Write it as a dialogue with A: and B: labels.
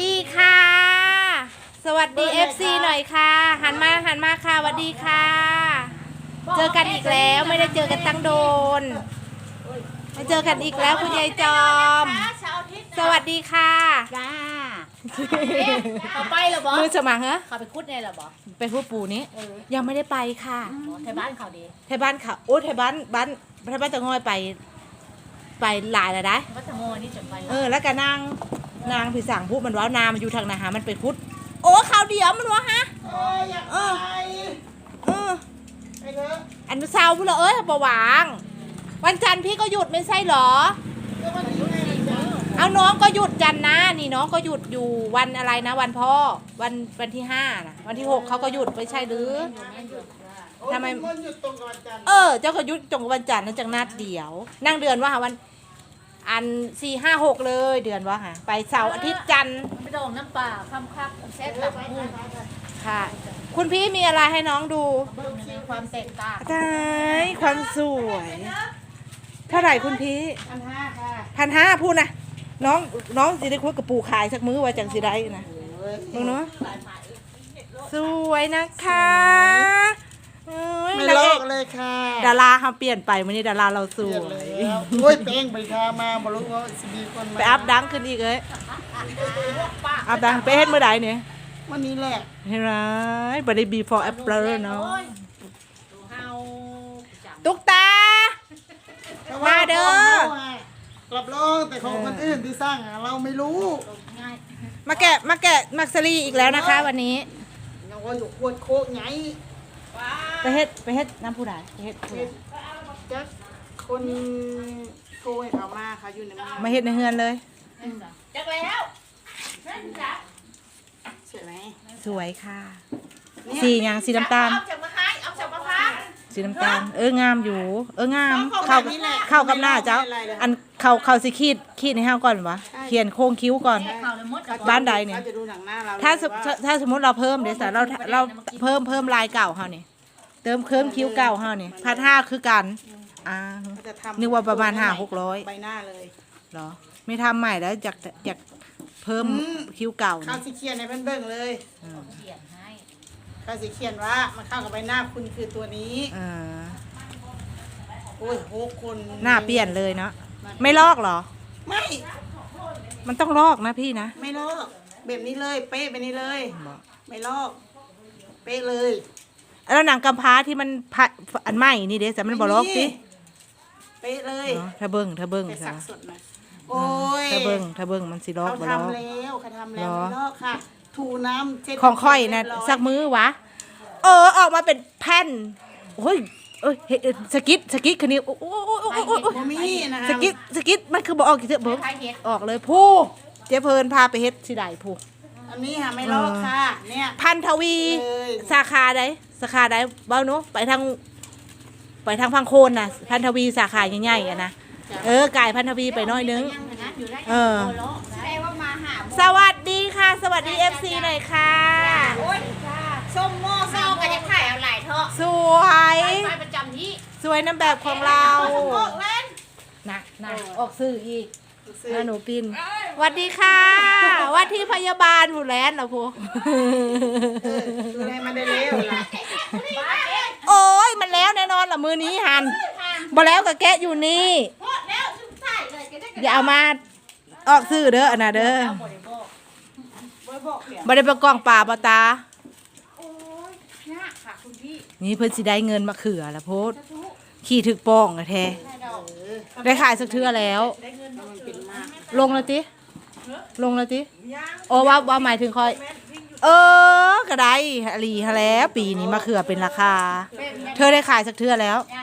A: ดีค่ะสวัสดี FC หน่อยค่ะหันมาค่ะสวัสดีค่ะเจอกันอีกแล้วไม่ได้เจอกันตั้งโดนมาเจอกันอีกแล้วคุณยายจอมสวัสดีค่ะ
B: จ้า
A: เขาไปหรอบอมือสมังเหรอ
B: เขาไปคุดในหรอบอ
A: ไปพูดปู่นี้ยังไม่ได้ไปค่ะ
B: ไทยบ้านเขาดี
A: ไทยบ้านเขาโอ้ไทยบ้านตะงอยไปหลายแล้วได้
B: วัดตะโมนี่จนไป
A: แล้วก็นางผีสั่งพูดมันว่านามันอยู่ทางนาหามันไปพุทธโอ้ข่าวเดียวมันวะฮะ
C: อยากไปไปเถอะ
A: อันเช้าพูดเลยประวางวันจันทร์พี่ก็หยุดไม่ใช่หรอเอาน้องก็หยุดจันนะนี่น้องก็หยุดอยู่วันอะไรนะวันพ่อวันที่5นะวันที่6เขาก็หยุดไม่ใช่หรือทำไมเจ้าก็หยุดตรงวันจันทร์นั่นจังนัดเดียวนั่งเดือนว่าวันอัน4 5 6เลยเดือนว่าฮะไปเสาร์อาทิตย์จันทร์
B: ไปดองน้ำปลาคำคับเซ็ตแบบมูน
A: ค่ะคุณพี่มีอะไรให้น้องดู
B: ความแตกต่าง
A: ใช่ความสวยเท่าไหร่คุณพี่
C: 1,500ค่ะ
A: 1,500พูดนะน้องสิได้คุยกับปู่ขายสักมื้อว่าจังสิได้นะมึงเนาะสวยนะคะ
C: ไม่ลอกเลยค่ะ
A: ดาราเขาเปลี่ยนไปวันนี้ดาราเราสวย
C: โอ้ยเป้งไปทามาบรู้ว่าสิมีคนมา
A: ไปอัพดังขึ้นอีกเลยอัพดังไปเฮ็ดเมื่อใดเนี่ย
C: วันนี้แหละ
A: เห็นไหมบัดนี้ before after เนาะตุ๊กตามาเด้
C: อกลับลองแต่ของคนอื่นที่สร้างเราไม่รู้
A: มาแกะมักซรีอีกแล้วนะคะวันนี้
C: ยังว่าอยู่ขวดโคกไง
A: ไปเฮ็ดน้ำผู้ใดไปเฮ็ด
C: จักคนโทรให้เขามาค่ะอยู่ใน
A: มาเฮ็ดในเฮือนเลย
B: จักแล้ว
C: สวยไหม
A: สวยค่ะสีอย่างสีน้ำตาลสีน้ำตาลงามอยู่งามเข้ากับหน้าเจ้าอันเขาสิขีดให้เฮาก่อนวะเขียนโค้งคิ้วก่อนบ้านใดเนี่ยถ้าสมมติเราเพิ่มเดี๋ยวเราเพิ่มลายเก่าเฮานี่เติมคิ้วเก่าเฮานี่1,500คือกันนึกว่าประมาณ500-600
C: ใบหน้าเลย
A: เหรอไม่ทำใหม่แล้วอยากเพิ่มคิ้วเก่า
C: เขาสิเขียนในเบิ่งเลยเขาสิเขียนว่ามันเข้ากับใบหน้าคุณคือตัวนี้โอ้ย6 คน
A: หน้าเปลี่ยนเลยเนาะไม่ลอกเหรอ
C: ไม่
A: มันต้องลอกนะพี่นะ
C: ไม่ลอกแบบนี้เลยเป๊ะไปนี้เลยไม่ลอกเป๊ะเลย
A: แล้วหนังกำพร้าที่มันอันใหม่นี่เด้แต่มันบ่ลอกสิ
C: เป๊ะเลย
A: ถ้าเบิ่ง
C: ซะโอ้ย
A: ถ้าเบิ่งมันสิลอกบ่ลอก
C: เขาทำแล้วไม่ลอกค่ะถูน้ำเช็ด
A: ของค่อยนะสักมื้อวะออกมาเป็นแผ่นโอ้ยสกิดคันนี้โอ้สกิดมันคือบอกออกกี่เถอะเบิ่งออกเลยผู้เจ๊เพลินพาไปเฮ็ดสิได้ผู้
C: อันนี้ค่ะไม่ลอกค่ะเนี่ย
A: พันทวีสาขาใดเบ้าเนาะไปทางพังโคนน่ะพันทวีสาขาใหญ่ๆอ่ะนะกายพันทวีไปน้อยนึงสวัสดีค่ะสวัสดี FC หน่อยค่ะ
B: ส้มโม่เศร้ากันจะถ่ายเอาหลายเถอะ
A: สวย
B: ประจำที่
A: สวยน้ำแบบของเรานะออกสื่ออีกหนูปินสวัสดีค่ะว่าที่พยาบาลผู้แลนเหรอพู
C: ดูแลมันได้เร็ว
A: โอ้ยมันแล้วแน่นอนล่ะมือนี้หันบ่แล้วก็แกะอยู่นี่อย่าเอามาออกสื่อเด้ออันน่ะเด้อบ่ได้ประกองป่าบ่ตานี่เพิ่นสิได้เงินมาเขือละโพดขี่ถึกป้องแท้ได้ขายสักเทื่อแล้วลงแล้วติโอ้ว่าหมายถึงคอยก็ได้อลีฮะแล้วปีนี้มาเขือเป็นราคาเธอได้ขายสักเทื่อแล้ว